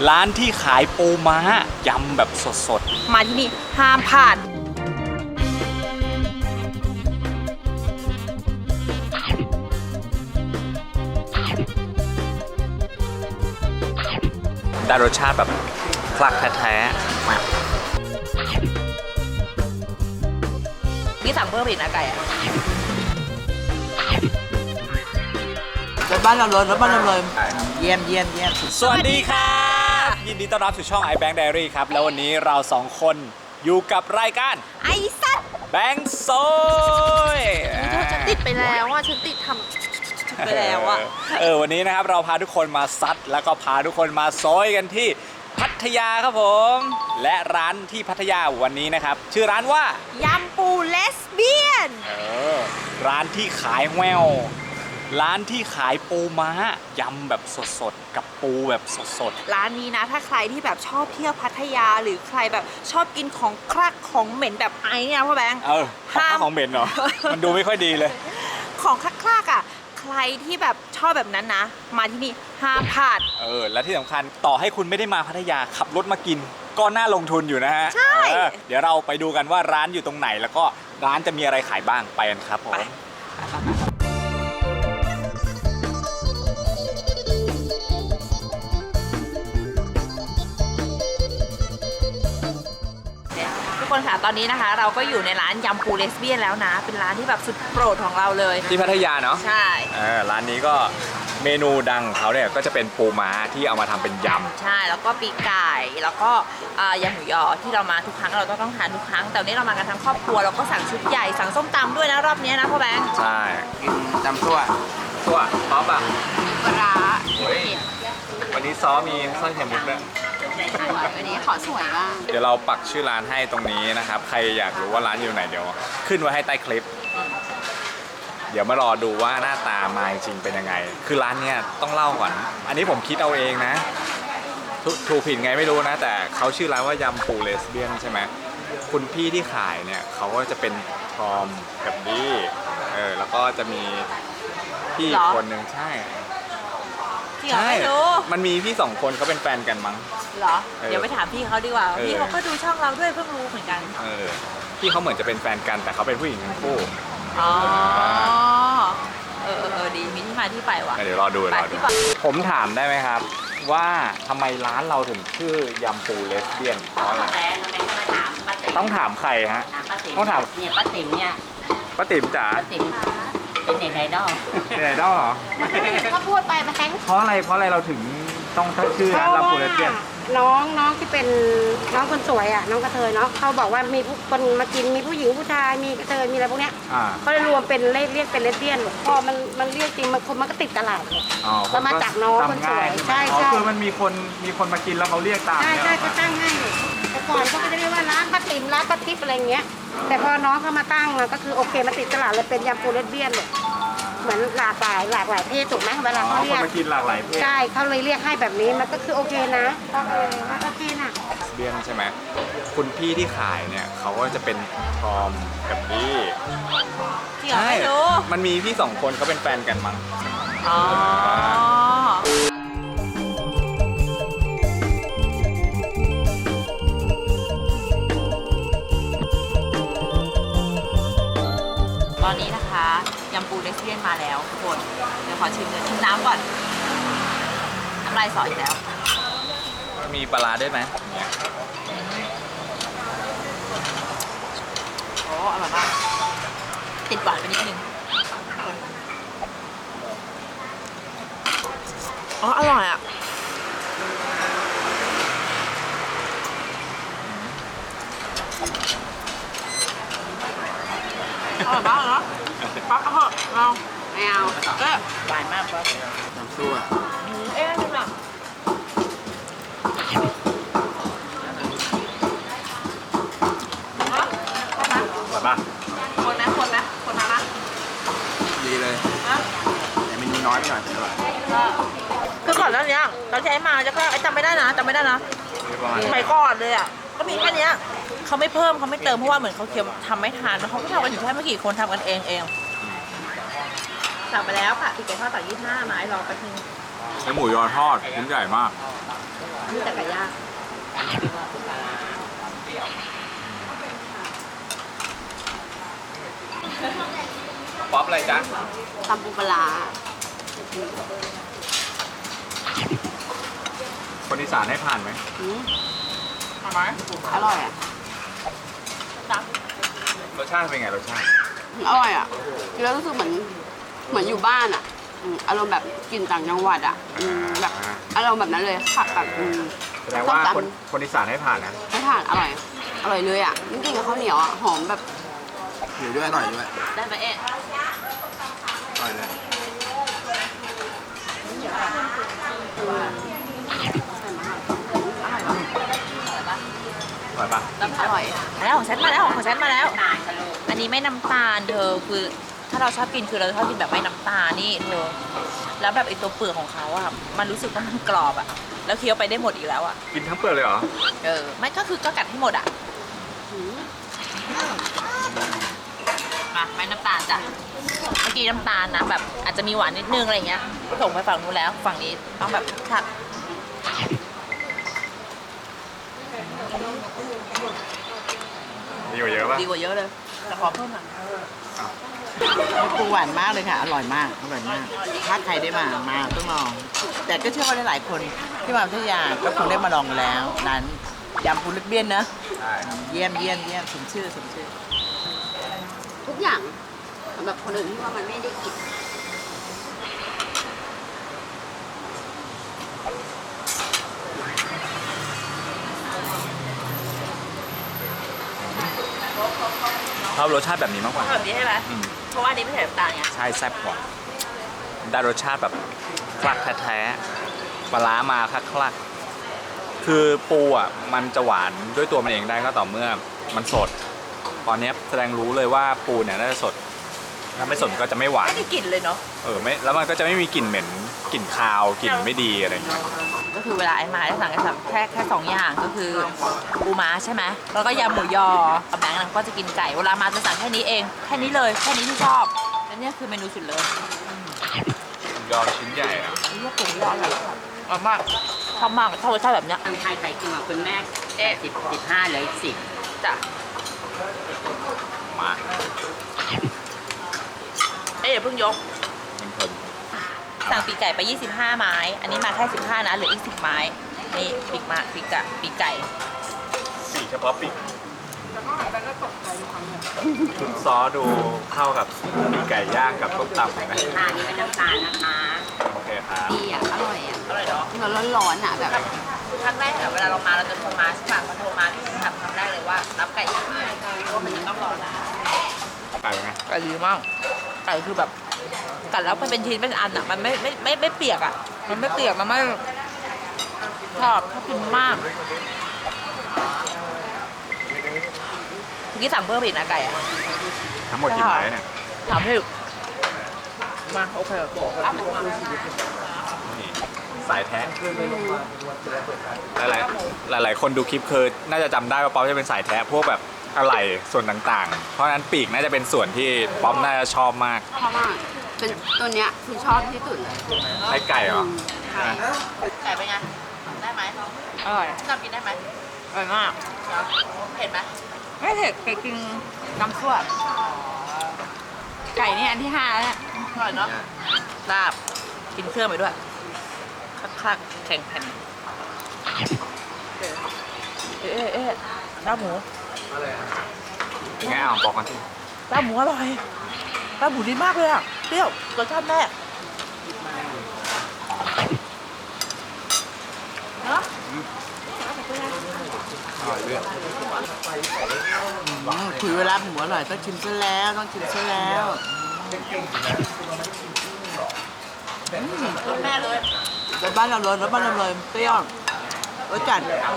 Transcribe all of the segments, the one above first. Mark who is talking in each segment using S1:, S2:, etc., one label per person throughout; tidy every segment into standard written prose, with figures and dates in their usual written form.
S1: ร้านที่ขายปูม้ายำแบบสด
S2: มาที่นี่ห้ามพลาด
S1: ได้รสชาติแบบคลักแท้ๆมา
S2: นี่สั่งเพิ่มอีกนะไก่อะ
S3: รถบ้านเราเลยรถบ้านเราเลยเยี่ยม
S1: สวัสดีครับยินดีต้อนรับสู่ช่อง iBank Diary ครับแล้ววันนี้เราสองคนอยู่กับรายการ
S2: ไอ้สัตว์
S1: แบงค์โซย
S2: ฉันติดไปแล้วอ่ะฉันติดทำไปแล้วอ่ะ
S1: วันนี้นะครับเราพาทุกคนมาซัดแล้วก็พาทุกคนมาโซยกันที่พัทยาครับผมและร้านที่พัทยาวันนี้นะครับชื่อร้านว่าย
S2: ำปูเลสเบี้ยน
S1: ร้านที่ขายแววร้านที่ขายปูม้ายำแบบสดๆกับปูแบบสด
S2: ๆร้านนี้นะถ้าใครที่แบบชอบเที่ยวพัทยาหรือใครแบบชอบกินของคลักของเหม็นแบบไอ้เนี่ยพ่อแบงค์
S1: ของเหม็นเหรอ มันดูไม่ค่อยดีเลย
S2: ของคลักๆอ่ะใครที่แบบชอบแบบนั้นนะมาที่นี่ห้ามพลาด
S1: และที่สำคัญต่อให้คุณไม่ได้มาพัทยาขับรถมากินก็น่าลงทุนอยู่นะฮะ
S2: ใช่
S1: เดี๋ยวเราไปดูกันว่าร้านอยู่ตรงไหนแล้วก็ร้านจะมีอะไรขายบ้างไปกันครับผม
S2: ทุกคนค่ะตอนนี้นะคะเราก็อยู่ในร้านยำปูเลสเบี้ยนแล้วนะเป็นร้านที่แบบสุดโปรดของเราเลย
S1: ที่พัทยาเนาะ
S2: ใช่
S1: ร้านนี้ก็เมนูดังของเขาเนี่ยก็จะเป็นปูม้าที่เอามาทำเป็นยำ
S2: ใช่แล้วก็ปีกไก่แล้วก็ยำหมูยอที่เรามาทุกครั้งเราต้องทานทุกครั้งแต่วันนี้เรามากันทั้งครอบครัวเราก็สั่งชุดใหญ่สั่งส้มตำด้วยนะรอบนี้นะพ่อแบงค์
S1: ใช่
S3: กินตำซั่ว
S1: ซอสอ่ะ
S2: ปลา
S1: วันนี้ซอสมีไส้ไข่มุกด้วย
S2: วันนี้ขอสวยมาก
S1: เดี๋ยวเราปักชื่อร้านให้ตรงนี้นะครับใครอยากรู้ว่าร้านอยู่ไหนเดี๋ยวขึ้นไว้ให้ใต้คลิปเดี๋ยวมารอดูว่าหน้าตามาจริงเป็นยังไงคือร้านเนี้ยต้องเล่าก่อนอันนี้ผมคิดเอาเองนะถูกผิดไงไม่รู้นะแต่เขาชื่อร้านว่ายำปูเลสเบี้ยนใช่ไหมคุณพี่ที่ขายเนี่ยเขาก็จะเป็นทอมกับดี้แล้วก็จะมีพี่อีกคนหนึ่งใช่มันมีพี่สองคนเขาเป็นแฟนกันมั้ง
S2: เหรอเดี๋ยวไปถามพี่เขาดีกว่าพี่เขาก็ดูช่องเราด้วยเพิ่งรู้เหมือนกัน
S1: พี่เขาเหมือนจะเป็นแฟนกันแต่เขาเป็นผู้หญิงทั้งคู่
S2: อ๋อดีมีที่มาที่ไปว่ะ
S1: เดี๋ยวรอดูผมถามได้ไหมครับว่าทำไมร้านเราถึงชื่อยำปูเลสเบี้ยนเพราะอะไรต้องถามใครฮะต้องถาม
S4: เนี่ยป้าติ๋มเนี่ย
S1: ป้าติ๋มจ๋า
S4: ป้าติ๋มเป็นเน็ตไอดอล
S1: เหรอ
S4: เขาพูดไปมาแข่ง
S1: เพราะอะไรเราถึงต้องชื่อร้านยำปูเลสเบี้ยน
S4: น้องที่เป็นน้องคนสวยอ่ะน้องกระเทยเนาะเขาบอกว่ามีผู้คนมากินมีผู้หญิงผู้ชายมีกระเทยมีอะไรพวกเนี้ยเขาเลยรวมเป็นเรียกเป็นเลสเบี้ยนพอมันเรียกจริงมันก็ติดตลาดเลยเรามาจากน้องคนสวยใช่
S1: คือมันมีคนมากินแล้วเขาเรียกตาม
S4: ใช่เขาตั้งให้แต่ก่อนเขาก็จะเรียกว่าร้านป้าติ๋มร้านป้าทิพย์อะไรเงี้ยแต่พอน้องเขามาตั้งก็คือโอเคมาติดตลาดเลยเป็นยำปูเลสเบี้ยนเลยเหมือนหลากหลายเพศถูกไหมเวลาเขาเรียก
S1: มากินหลากหลายเพศ
S4: ใช่เขาเลยเรียกให้แบบนี้มันก็คือโอเคนะโอเคนะ
S1: เบี้ยนใช่ไหมคุณพี่ที่ขายเนี่ยเขาก็จะเป็นทอมกับดี้
S2: ใช่
S1: มันมีพี่สองคนเขาเป็นแฟนกันมั้ง
S2: ตอนนี้นะคะยำปูเลสเบี้ยนมาแล้วทุกคนเดี๋ยวขอชิมน้ำก่อนน้ำลายสออีกแล้ว
S1: มีปลาด้วยไหม
S2: โอ้อร่อยมากติดหวานไปนิดนึงอร่อยอ่ะอร่อยมากเนาะปั๊บเอาเหอะเรา
S4: ไม่เอา
S2: หวานมากปั๊บ
S3: น้ำซั่ว
S2: นี่หรอคนมา
S3: ดีเลยแต่มันมีน้อยไปหน่อยแต่อร่อย
S2: คือก่อนหน้านี้เราใช้มาแล้วก็จำไม่ได้นะสมัยก่อนเลยอ่ะก็มีแค่นี้เขาไม่เพิ่มเขาไม่เติมเพราะว่าเหมือนเขาเคี่ยวทำไม่ทานแล้วเขาก็ทำกันอยู่แค่ไม่กี่คนทำกันเองสั่งไปแล้วค่ะปีกไก่ทอดต่อ25ไม้รอแป๊บนึง
S1: หมูยอทอดชิ้นใหญ่มาก
S4: มีแต่ไก่ย่าง
S1: ป๊อปอะไรจ๊ะ
S4: ตำปูปลาร้า
S1: คนอีสานให้ผ่านไหม
S4: อืม
S2: ทำไหม
S4: อร่อยอ่ะ
S2: จ๊ะ
S1: รสชาติเป็นไงรสชาติ
S4: อร่อยอ่ะกินแล้วรู้สึกเหมือนอยู่บ้านอ่ะอารมณ์แบบกินต่างจังหวัดอ่ะแบบอารมณ์แบบนั้นเลยผักแบบ
S1: แสดงว่า
S4: ส้มตำ
S1: คนอีสานให้ผ่านนะ
S4: ไม่ผ่านอร่อย อร่อยเลยอ่ะจริงๆกับข้าวเหนียวอ่ะหอมแบบ
S3: อยู่ด้วยอร่อยด้วย
S2: ได้ไหมเอ๊ะ
S3: อร่อยเลย
S1: อร่อยปะ
S4: อร่อย
S2: แล้วของฉันมาแล้วของฉันมาแล้ว อันนี้ไม่น้ำตาลเธอคือถ้าเราชอบกินคือเราชอบกินแบบไม่น้ำตาลนี่เธอแล้วแบบไอตัวเปลือกของเขาอะมันรู้สึกว่ามันกรอบอะแล้วเคี้ยวไปได้หมดอีกแล้วอะ
S1: กินทั้งเปลือกเลยเหรอ
S2: ไม่ก็คือก็กัดให้หมดอะมาไม่น้ำตาลจ้ะเมื่อกี้น้ำตาลนะแบบอาจจะมีหวานนิดนึงอะไรเงี้ยส่งไปฝั่งนู้นแล้วฝั่งนี้ต้องแบบผัก
S1: ดีกว่าเยอะปะ
S2: ดีกว่าเยอะเลยแต่ขอเพิ่มหน่อย
S3: ปูหวานมากเลยค่ะ อร่อยมาก อร่อยมาก ถ้าใครได้มาต้องลอง แต่ก็เชื่อว่าหลายๆคนที่มาพัทยาก็คงได้มาลองแล้วร้านยำปูลึกเบี้ยนนะ
S1: ใช่
S3: เยี่ยมเยี่ยมเยี่ยมสมชื่อสมชื่อ
S4: ทุกอย่างสำหรับคนอื่นที่ว่ามันไม่ได้กิน
S1: ชอบรสชาติแบบนี้มากกว่า
S2: แบบนี้ใช่ไหม
S1: อืม
S2: เพราะว่าอันนี้ไม่ใส่น้ำตาลไง
S1: ใช่แซ่บกว่าได้รสชาติแบบคลักแท้ๆปลาร้ามาคลักๆคือปูอ่ะมันจะหวานด้วยตัวมันเองได้ก็ต่อเมื่อมันสด ตอนนี้แสดงรู้เลยว่าปูเนี่ยน่าจะสด ถ้าไม่สดก็จะไม่หวาน
S2: ไม่ได้กลิ่นเลยเนาะ
S1: ไม่แล้วมันก็จะไม่มีกลิ่นเหม็นกลิ่นคาวกลิ่นไม่ดีอะไรอย่างเงี้ย
S2: ก็คือเวลาไอ้มาได้สั่งแค่สองอย่างก็คือปูม้าใช่ไหมแล้วก็ยำหมูยอกับแบงค์นั้นก็จะกินไก่เวลามาจะสั่งแค่นี้เองแค่นี้เลยแค่นี้ที่ชอบแล้วเนี่ยคือเมนูสุดเลย
S1: ยอชิ้นใหญ่อะ
S2: ไอ้เรื่องปูยออร่อยมากชอบมากชอบรสชาติแบบเนี้ย
S5: ทางไทยไข่จริงอ่ะคุณแม่15เหลืออีก10
S2: จ้ะ
S1: มา
S2: อย่าเพิ่งยก
S1: เพลิน
S2: สั่งปีกไก่ไป25ไม้อันนี้มาแค่15นะเหลืออีก10ไม้นี่ปีกไก่
S1: ปีกเฉพาะปีกชุดซอสดูเข้ากับปีกไก่ย่างกับต้มตำเลยนะ
S5: ทานนี้ไม่น้ำตาลนะคะ
S1: โอเคครับ
S4: ดีอ่ะ อร่อยอ่ะ
S2: อร่อยเนาะ
S4: มันร้อนๆอ่ะแบบ
S2: ครั้งแรกอะเวลาเรามาเราจะโทรมาใช่ป่ะพอโทรมาพี่จะถามครั้งแรกเลยว่ารับไก่ยังไงเพราะว่ามันจะต้องรอนาน
S1: ไก่เป็นไง
S2: ไก่ดีมากไก่คือแบบกัดแล้วมันเป็นชิ้นเป็นอันอะมันไม่เปียกอะมันไม่เปียกมันไม่ชอบกินมากเมื่อกี้สั่งเพิ่มอีกนะไก่อะ
S1: ทั้งหมดกี่ไม้เนี่ย
S2: ถามพี่มาโอเค
S1: นี่สายแท้หลายคนดูคลิปคือน่าจะจำได้ว่าป๊อปจะเป็นสายแท้พวกแบบอะไหล่ส่วนต่างๆ เพราะฉะนั้นปีกน่าจะเป็นส่วนที่ป๊อปน่าจะชอบมาก
S4: ชอบมากเป็นตัวเนี้ยคือชอบที่สุดเลย
S1: ไส้ไก่เหรอ
S4: ใช่
S2: ไก่เป็นไงได้ไหมอร่อยชอบกินได้ไหมอร่อยมากเผ็ดไหมไม่เผ็ดไก่กินน้ำซั่วไก่นี่อันที่5แล้วเนี่ยอร่อยเนาะลาบกินเครื่องไปด้วยคลักๆแข็งแผ่นลาบหมู
S1: ยังไงอ่ะบอกกันสิ
S2: ลาบหมูอร่อยลาบหมูดีมากเลยอ่ะเปรี้ยวรสชาติแม่เนาะ
S1: อร่อยด้วย
S3: คุยเวลาหมูอร่อยต้องชิมซะแล้วต้องชิมซะแล้ว
S2: รสแม่เลย
S3: รสบ้านเราเลยรสบ้านเราเลยเปรี้ยวรสจัด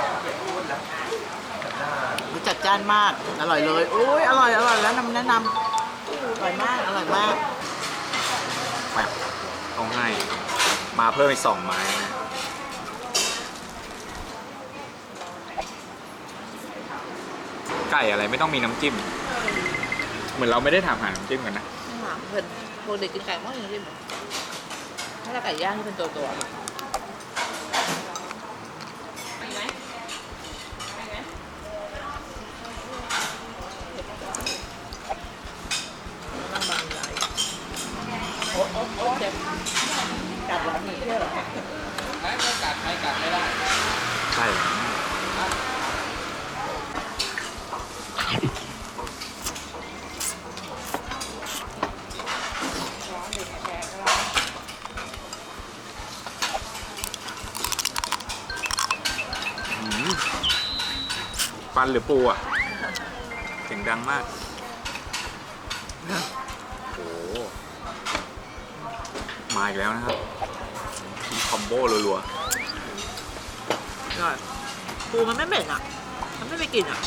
S3: รสจัดจ้านมากอร่อยเลยโอ้ยอร่อยแล้วแนะนำอร่อยมากอร่อยมาก
S1: มาต้องให้มาเพิ่มอีก2ไม้นะไก่อะไรไม่ต้องมีน้ำจิ้ม เหมือนเราไม่ได้ถามหาน้ำจิ้มกันนะ
S2: ไม่หวานเพิ่นพวกเด็กกินไก่มากจริงๆถ้าเราไก่ย่างที่เป็นตัว
S1: ไส้ปันหรือปูอ่ะเสียงดังมากโอ้มาอีกแล้วนะครับคอมโบรัว
S2: อร่อยปูมันไม่เหม็นอ่ะ มันไม่ไปกลิ่นอ่ะ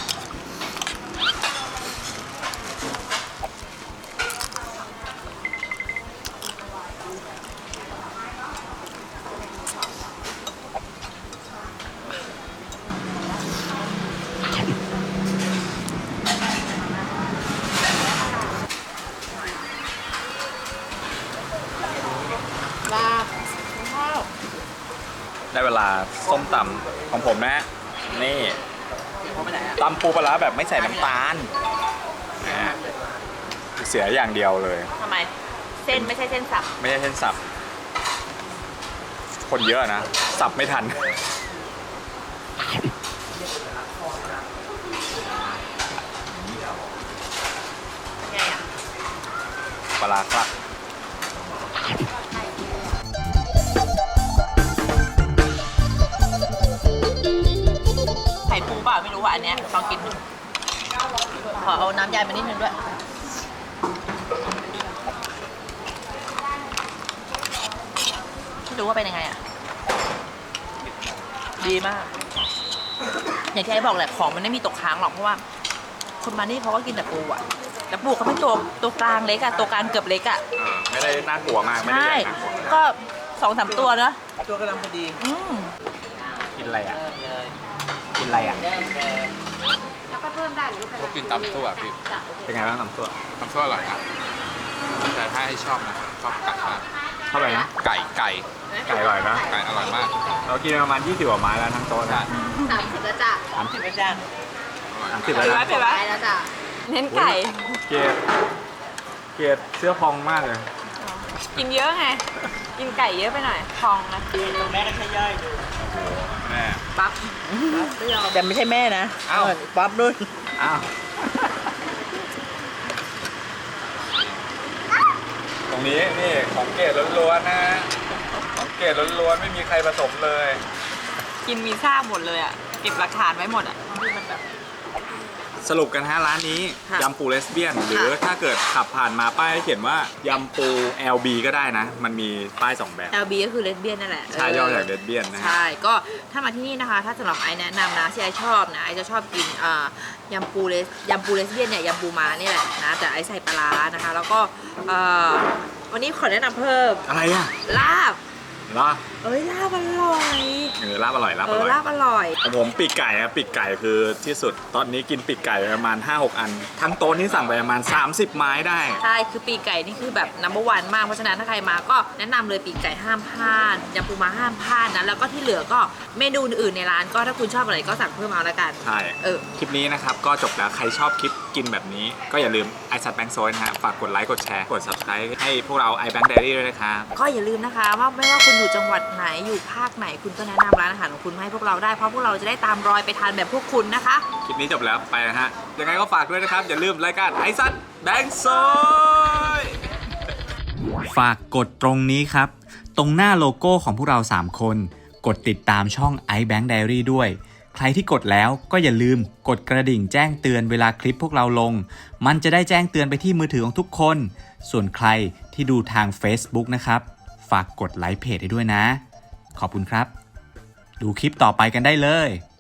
S2: ลาบข้าว
S1: ๆได้เวลาส้มตำของผมนะนี่
S3: เขาไปไหนอ่ะ
S1: ตำปูปลาร้าแบบไม่ใส่น้ำตาลนะเสียอย่างเดียวเลย
S2: ทำไม เส้นไม่ใช่เส้นสับ
S1: ไม่ใช่เส้นสับ คนเยอะนะ สับไม่ทัน
S2: ไงอ่ะ
S1: ปลาร้าครับ
S2: ไข่ปูเปล่าไม่รู้ว่าอันเนี้ยลองกินดูขอเอาน้ำยายมานิดนึงด้วยไม่รู้ว่าเป็นยังไงอ่ะ ดีมาก อย่างที่ไอ้บอกแหละของมันไม่มีตกค้างหรอกเพราะว่า คนมานี่เขาก็กินแต่ปูอ่ะแต่ปูเขาไม่ตัวกลางเล็กอ่ะตัวกลางเกือบเล็กอ่ะ
S1: ไม่ได้น่ากลัวมาก ไม่ได้
S2: ใช่
S1: ใหญ่น่ากลัว
S2: ก็2-3 ตัวเนอะ
S3: ตัวกำลังพอดี
S1: กินอะไรอ่ะ
S3: เริ่มเลย
S1: กินอะไรอ่ะ
S3: เริ่มเลย
S4: แล้วก็เพิ่มได้หรือเปล่า
S6: ผมกินตำซั่วพี่
S1: เป็นไงบ้างตำซั่ว
S6: ตำซั่วอร่อยนะแต่ถ้าให้ชอบนะชอบไก่มาก
S1: เท่าไหร่นะ
S6: ไก่
S1: ไก่อร่อยนะ
S6: ไก่อร่อยมาก
S1: เรากินประมาณ20กว่าไม้แล้วทั้งโต๊ะนะ
S4: 30แล้วจ้ะ
S3: 30ไม่จ้าง
S1: 30แล้วนะ
S2: เผ็ดไหม
S4: ไปแล้วจ้ะ
S2: เน้นไก่
S1: เกดเสื้อพองมากเลย
S2: กินเยอะไง กินไก่เยอะไปหน่อยพองนะ
S3: ตรงแม่ก็ใช้ย่อยดู
S1: แม่
S2: ปั๊บ
S3: แต่ไม่ใช่แม่นะ
S1: อ้าว
S3: ป๊อปด้วย
S1: อ้าว ตรงนี้นี่ของเกดล้วนๆนะ ของเกดล้วนๆไม่มีใครผสมเลย
S2: กินมีซากหมดเลยอ่ะ เก็บหลักฐานไว้หมดอ่ะ
S1: สรุปกันฮะร้านนี้
S2: ค่ะ
S1: ยำปูเลสเบี้ยน หรือถ้าเกิดขับผ่านมาป้ายเขียนว่ายำปู LB ก็ได้นะ มันมีป้าย2แบบ
S2: LB ก็คือเลสเบี้ยนนั่นแหละ
S1: ใช่ย่อจากเลสเบี้ยนนะฮะ
S2: ใช่ ก็ถ้ามาที่นี่นะคะ ถ้าสำหรับไอแนะนำนะที่ไอชอบนะไอจะชอบกินยำปูเลสเบี้ยนเนี่ยยำปูม้านี่แหละนะแต่ไอใส่ปลาร้านะคะ แล้วก็วันนี้ขอแนะนำเพิ่ม
S1: อะไรอ่ะ
S2: ลาบ
S1: ลาบ
S2: เอ้ยลาบอร่อย
S1: ลาบอร่อยลาบอร่อย
S2: ลาบอร่อย
S1: ของผมปีกไก่ครับปีกไก่คือที่สุด ตอนนี้กินปีกไก่ประมาณ 5-6 อัน ทั้งโต๊ะนี่สั่งไปประมาณ 30 ไม้ได้
S2: ใช่ คือปีกไก่นี่คือแบบnumber one มาก เพราะฉะนั้นถ้าใครมาก็แนะนำเลยปีกไก่ห้ามพลาดยำปูม้าห้ามพลาดนะ แล้วก็ที่เหลือก็เมนูอื่นๆในร้านก็ถ้าคุณชอบอะไรก็สั่งเพิ่มเอาละกัน
S1: ใช่ คลิปนี้นะครับก็จบแล้ว ใครชอบคลิปกินแบบนี้ ก็อย่าลืมไอซัดแบงค์โซนนะฮะ ฝากกดไลค์ กดแชร์ กด subscribe ให้พวกเรา iBank Diary ด้วยนะครับ
S2: ก็อย่าลืมนะคะว่าไม่ว่าคุณอยู่จังหวัดไหนอยู่ภาคไหนคุณก็แนะนำร้านอาหารของคุณมาให้พวกเราได้ เพราะพวกเราจะได้ตามรอยไปทานแบบพวกคุณนะคะ
S1: คลิปนี้จบแล้วไปนะฮะ ยังไงก็ฝากด้วยนะครับ อย่าลืมรายการไอซัดแบงค์โซน
S7: ฝากกดตรงนี้ครับ ตรงหน้าโลโก้ของพวกเรา 3 คน กดติดตามช่อง iBank Diary ด้วย ใครที่กดแล้วก็อย่าลืมกดกระดิ่งแจ้งเตือนเวลาคลิปพวกเราลง มันจะได้แจ้งเตือนไปที่มือถือของทุกคน ส่วนใครที่ดูทาง Facebook นะครับ ฝากกดไลค์เพจให้ด้วยนะ ขอบคุณครับ ดูคลิปต่อไปกันได้เลย